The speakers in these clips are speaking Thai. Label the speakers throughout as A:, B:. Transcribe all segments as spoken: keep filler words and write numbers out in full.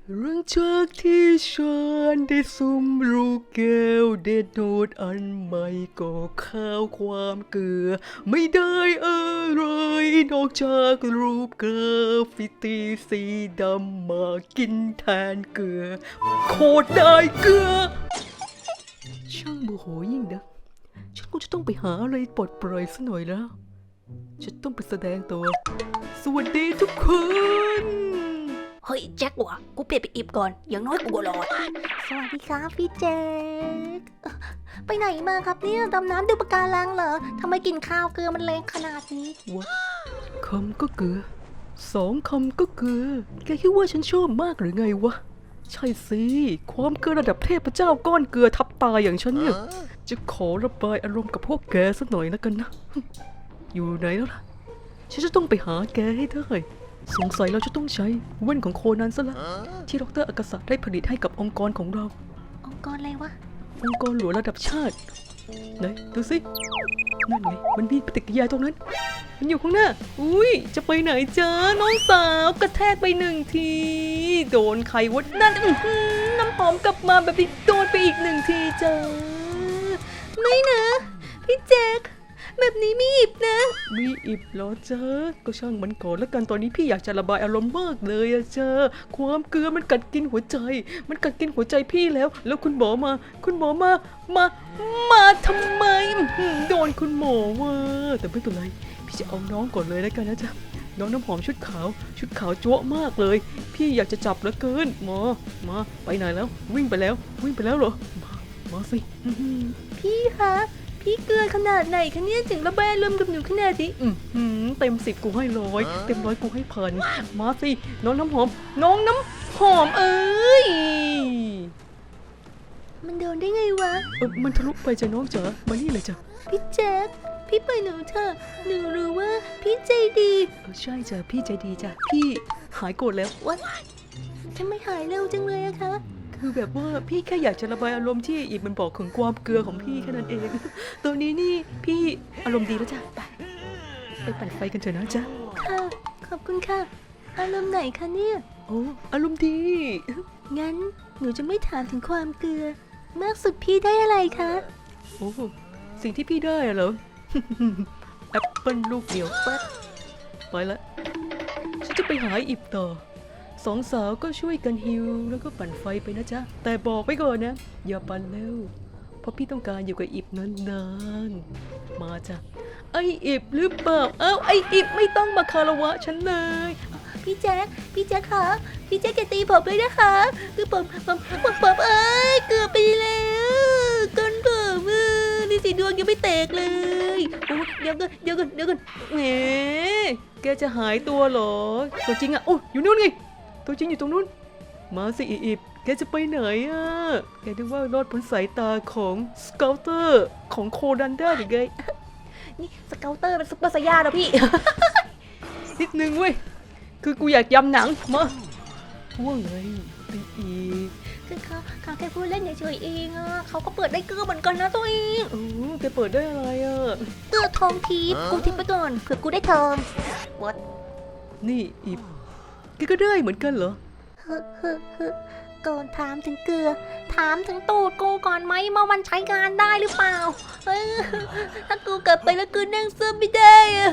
A: หลังจากที่ฉันได้ซุ่มลูกแก้วเด็ดโนดอันใหม่ก็ข้าวความเกลือไม่ได้อะไรนอกจากรูปกราฟิตีสีดำมากินแทนเกลือโคตรได้เกลือช่างโมโหยิ่งนะฉันก็จะต้องไปหาอะไรปลดปล่อยซะหน่อยแล้วฉันต้องไปแสดงตัวสวัสดีทุกคน
B: เฮ้ยแจ็ควะกูเปลี่ยนไปอิบก่อนอย่างน้อยกูก็รอดสวัสดีครับพี่แจ็คไปไหนมาครับเนี่ยดำน้ำดูปะการังเหรอทำไมกินข้าวเกลือมันแรงขนาดนี้
A: วะคำก็เกลือสองคำก็เกลือแกคิดว่าฉันชอบมากหรือไงวะใช่สิความเกลือระดับเทพเจ้าก้อนเกลือทับตายอย่างฉันเนี่ยจะขอระบายอารมณ์กับพวกแกสักหน่อยนะกันนะอยู่ไหนแล้วล่ะฉันจะต้องไปหาแกให้ได้สงสัยเราจะต้องใช้แว่นของโคนันซะละที่ดรอากาศะได้ผลิตให้กับองค์กรของเรา
B: องค์กรอะไรวะ
A: องค์กรหลวงระดับชาติไหนดูสินั่นไงมันมีปฏิกิริยาตรงนั้นมันอยู่ข้างหน้าอุ้ยจะไปไหนจ้าน้องสาวกระแทกไปหนึ่งทีโดนใครวะนั่นน้ำหอมกลับมาแบบนี้โดนไปอีกหนึ่งทีจ้า
B: ไม่นะพี่แจ็คแบบนี้มีอิบนะ
A: มีอิบเหรอเจ้าก็ช่างมันก่อนแล้วกันตอนนี้พี่อยากจะระบายอารมณ์มากเลยอะเจ้าความเกลือมันกัดกินหัวใจมันกัดกินหัวใจพี่แล้วแล้วคุณหมอมาคุณหมอมามามาทำไมโดนคุณหมอว่าแต่ไม่เป็นไรพี่จะเอาน้องก่อนเลยแล้วกันนะจ๊ะน้องน้ำหอมชุดขาวชุดขาวจั๊วมากเลยพี่อยากจะจับเหลือเกินหมอมาไปไหนแล้ววิ่งไปแล้ววิ่งไปแล้วเหรอมามาสิ
B: พี่คะพี่เกลือขนาดไหนคะเนี่ยถึงระบายอารมณ์กับหนูขนาดนี้
A: อืมเต็มสิบกูให้ร้อยเต็มร้อยกูให้พันมาสิน้องน้ำหอมน้องน้ำหอมเอ้ย
B: มันโดนได้ไงวะ
A: เออมันทะลุไปจ้ะน้องจ๋ามานี่เลยจ้ะ
B: พี่แจ๊คพี่ไปหนูเถอะหนูรู้ว่าพี่ใจดี
A: เออใช่จ้ะพี่ใจดีจ้ะพี่หายโกรธแล้ว
B: วะทำไมหายเร็วจังเลยอะคะ
A: คือแบบว่าพี่แค่อยากจะระบายอารมณ์ที่อีกมันบอกถึงความเกลือของพี่แค่นั้นเองตอนนี้นี่พี่อารมณ์ดีแล้วจ้ะไปไปปั่นไฟกันเถอะนะจ๊ะ
B: ค่ะขอบคุณค่ะอารมณ์ไหนคะเนี่ย
A: โอ้อารมณ์ดี
B: งั้นหนูจะไม่ถามถึงความเกลือมากสุดพี่ได้อะไรคะ
A: โอ้สิ่งที่พี่ได้อะเหรอแอปเปิ้ลลูกเดียวปั๊บไปละฉันจะไปหาอิบต่อสองสาวก็ช่วยกันฮิวแล้วก็ปั่นไฟไปนะจ๊ะแต่บอกไปก่อนนะอย่าปั่นเร็วเพราะพี่ต้องการอยู่กับอิบนานๆมาจ้ะไออิบหรือเปล่าเอ้าไออิบไม่ต้องมาคารวะฉันเลย
B: พี่แจ๊คพี่แจ๊คคะพี่แจ๊คจะตีผมเลยนะคะคือผมผมผมผมเอ้ยเกือบไปแล้วก้นผมเออนี่สีดวงยังไม่แตกเลยโอ้เดี๋ยวก่อนเดี๋ยวก่อนเดี๋ยวก่อน
A: แหมแกจะหายตัวเหรอตัวจริงอะโอ้อยู่นู่นไงตัวจริงอยู่ตรงนู้นมาสิอีบแกจะไปไหนอ่ะแกนึกว่ารอดพ้นสายตาของสเกลเตอร์ของโคดันได้หรือไง
B: นี่สเกลเตอร์เป็นซุปเปอร์ไซย่านะพี่
A: นิดนึงเว้ยคือกูอยากยำหนังมาว่าไงไปอีก
B: คือเขาเขาแค่พูดเล่นเฉยๆเองอ่ะเขาก็เปิดได้เกลือเหมือนกันนะตัวเอง
A: เออแกเปิดได้อะไรอ่ะ
B: เกลือทองทิพย์กูทิพย์ไปก่อนเผื่อกูได้ทองวัด
A: นี่อีบแกก็ได้เหมือนกันเหรอ
B: เฮ้อเฮ้อเฮ้อก่อนถามถึงเกลือถามถึงตูดกูก่อนไหมว่ามันใช้งานได้หรือเปล่าเออถ้ากูกลับไปแล้วกูนั่งซึมไม่ได้อะ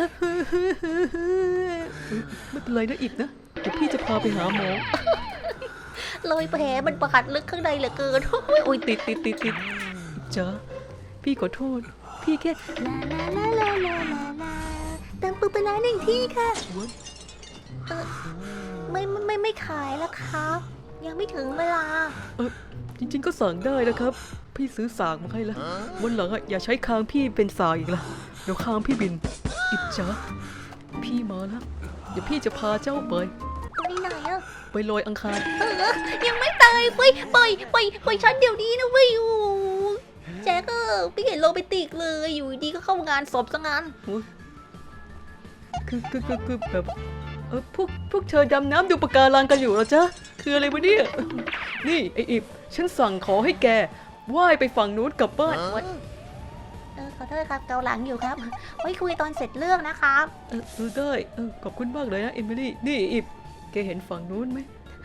A: ไม่เป็นไรนะอีกนะเดี๋ยวพี่จะพาไปหาหมอ
B: เลยแผลมันประหัดลึกข้างในเหลือเกิน
A: โอ้ยติดติดติดติดจ้าพี่ขอโทษพี่แค่
B: ลาลาลาลาลาลาลาเติมปูปลาหนึ่งที่ค่ะเออไม่ไม่ไม่ขายแล้วครับยังไม่ถึงเวลา
A: เออจริงๆก็สั่งได้นะครับพี่ซื้อสากมาให้แล้ววันหลังอ่ะอย่าใช้คางพี่เป็นสากอีกละเดี๋ยวคางพี่บินอิจฉาพี่มาแล้วเดี๋ยวพี่จะพาเจ้าไป
B: ไปไหนอะ
A: ไปลอยอังคาร
B: เออยังไม่ตายไปไปไปไปฉันเดี๋ยวนี้นะเว้ยโอ้แจ๊กเออไม่เห็นโรแมนติกเลยอยู่ดีก็เข้างานศพซะงั้น
A: คือคือคือคือแบบเออพวกพวกเธอดำน้ำดูปะการังกันอยู่เหรอจ๊ะคืออะไรวะเนี่ยนี่ไออิบฉันสั่งขอให้แกว่ายไปฝั่งนู้นกลับบ้าน
B: เออขอโทษครับเกาหลังอยู่ครับไว้คุยตอนเสร็จเรื่องนะครับ
A: เออเออได้เออขอบคุณมากเลยนะเอมิลี่นี่อิบแกเห็นฝั่งนู้นไหม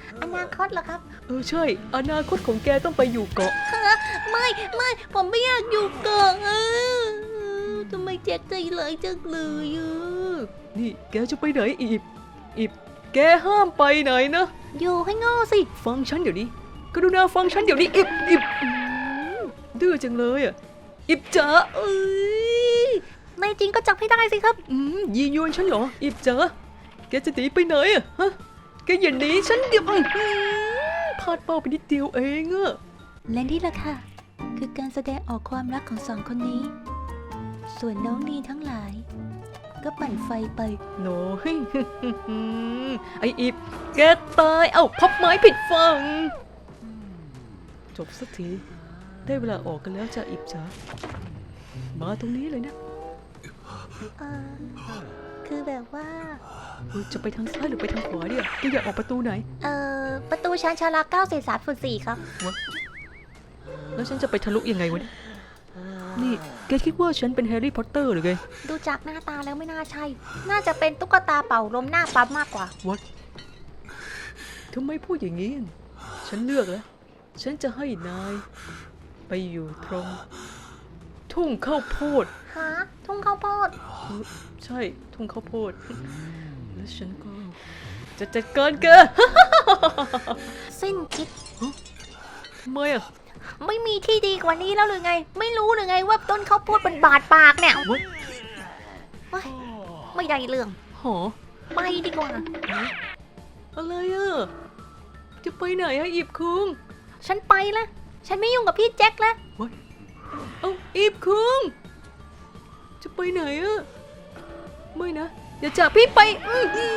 B: อนาคตเหรอครับ
A: เออใช่อนาคตของแกต้องไปอยู่เกาะ
B: ไม่ไม่ผมไม่อยากอยู่เกาะอ่ะทำไมแจ็คใจร้ายจังเลยอ่ะ
A: นี่แกจะไปไหนอีบอีบแกห้ามไปไหนนะ
B: อยู่ให้โง่สิ
A: ฟังฉันเดี๋ยวนี้กรุณาฟังฉันเดี๋ยวนี้อิบอิบอืมดื้อจังเลยอ่ะอิบจ๋า
B: เอ้ยในจริงก็จับให้ได้สิครับ
A: อืมยียวนฉันเหรออิบจ๋าแกจะหนีไปไหนอ่ะฮะแกอย่าหนีฉันเดี๋ยวอื้อหือพลาดเป้าไปนิดเดียวเองอ่ะ
B: และนี่แหละค่ะ คือการแสดงออกความรักของสองคนนี้ ส่วนน้องนีทั้งหลาย ก็ปั่นไฟไป
A: โน้ย ไออิบแกตายเอ้าพับไม้ผิดฝั่งจบสักทีได้เวลาออกกันแล้วจ้ะอิบจ๋ามาตรงนี้เลยนะ
B: เออคือแบบว่า
A: เออจะไปทางซ้ายหรือไปทางขวาเนี่ยแกอยากออกประตูไหน
B: เออประตูชานชาลาเก้าเศษสามส่วนสี่ครับ
A: แล้วฉันจะไปทะลุยังไงวะเนี่ยนี่แกคิดว่าฉันเป็นแฮร์รี่พอตเตอร์หรือไง
B: ดูจากหน้าตาแล้วไม่น่าใช่ น่าจะเป็นตุ๊กตาเป่าลมหน้าปั๊มมากกว่า
A: What ทำไมพูดอย่างนี้ ฉันเลือกแล้ว ฉันจะให้นาย ไปอยู่ตรง ทุ่งข้าวโพด
B: ฮะ ทุ่งข้าวโพด
A: เออใช่ทุ่งข้าวโพด แล้วฉันก็ จะจัดการแก
B: สิ้นคิด
A: ทำไมอ่ะ
B: ไม่มีที่ดีกว่านี้แล้วหรือไง ไม่รู้หรือไงว่าต้นข้าวโพดมันบาดปากเนี่ย
A: What
B: เฮ้ยไม่ได้เรื่อง
A: หอ
B: ไปดีกว่า
A: อะไรอ่ะ จะไปไหนอะอิบคุง
B: ฉันไปละฉันไม่ยุ่งกับพี่แจ็คแล้ว
A: เอ้าอิบคุง จะไปไหนอะไม่นะ อย่าจากพี่ไปอื้อหือ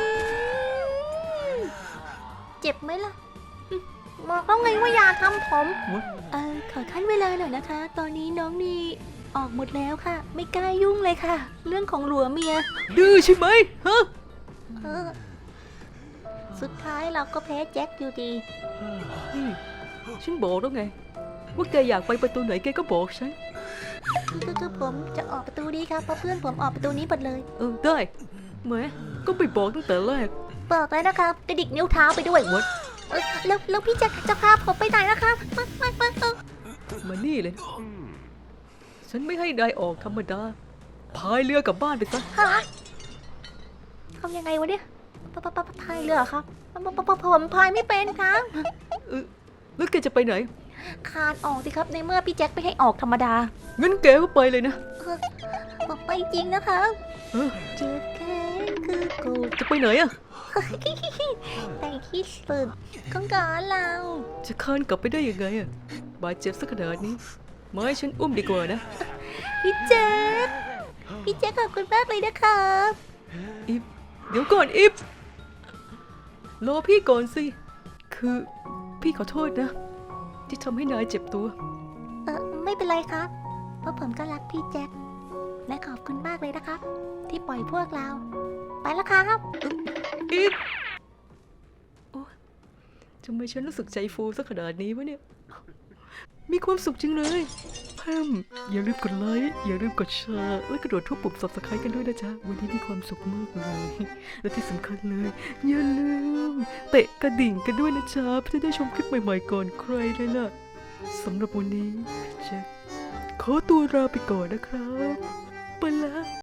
B: เจ็บไหมล่ะบอกแล้วไงว่าอย่าทำผม
A: What
B: เออขอขั้นเวลาหน่อยนะคะ ตอนนี้น้องนีออกหมดแล้วค่ะ ไม่กล้ายุ่งเลยค่ะ เรื่องของหลัวเมีย
A: ดื้อใช่ไหมฮะ
B: เออ สุดท้ายเราก็แพ้แจ็คอยู่ดี
A: นี่ฉันบอกแล้วไง ว่าแกอยากไปประตูไหนแกก็บอกฉัน
B: คือคือผมจะออกประตูนี้ครับเพราะเพื่อนผมออกประตูนี้หมดเลย
A: เออได้แหมก็ไปบอกตั้งแต่แรก
B: บอกเลยนะครับกระดิกนิ้วเท้าไปด้วย
A: What
B: เออแล้วแล้วพี่แจ็คจะพาผมไปไหนนะครับมามามาเออ
A: มานี่เลย ฉันไม่ให้นายออกธรรมดา พายเรือกลับบ้านไปซะ
B: ฮะทำยังไงวะเนี่ยปะปะปะปะพายเรือครับปะปะปะปะผมพายไม่เป็นครับ
A: เออแล้วแกจะไปไหน
B: คานออกสิครับในเมื่อพี่แจ็คไม่ให้ออกธรรมดา
A: งั้นแกก็ไปเลยนะ
B: ผมไปจริงนะครับ
A: เออ
B: เจ็บแค้นคือกู
A: จะไปไหนอะ
B: แต่ที่สุดของก่อนเรา
A: จะคานกลับไปได้ยังไงอะบาดเจ็บสักขนาดนี้มาให้ฉันอุ้มดีกว่านะ
B: พี่แจ็คพี่แจ็คขอบคุณมากเลยนะครับ
A: อิฟเดี๋ยวก่อนอิฟรอพี่ก่อนสิ คือพี่ขอโทษนะ ที่ทำให้นายเจ็บตัว
B: เออไม่เป็นไรครับ เพราะผมก็รักพี่แจ็คและขอบคุณมากเลยนะครับ ที่ปล่อยพวกเรา ไปแล้วครับ
A: อิฟโอ๊ยทำไมฉันรู้สึกใจฟูสักขนาดนี้วะเนี่ย มีความสุขจริงเลยแพมอย่าลืมกดไลค์ อย่าลืมกดแชร์และกระโดดทุบปุ่ม ซับสไครบ์ กันด้วยนะจ๊ะ วันนี้มีความสุขมากเลย และที่สำคัญเลย อย่าลืม เตะกระดิ่งกันด้วยนะจ๊ะ เพื่อจะได้ชมคลิปใหม่ๆก่อนใครเลยล่ะสำหรับวันนี้พี่แจ็คขอตัวลาไปก่อนนะครับ ไปแล้ว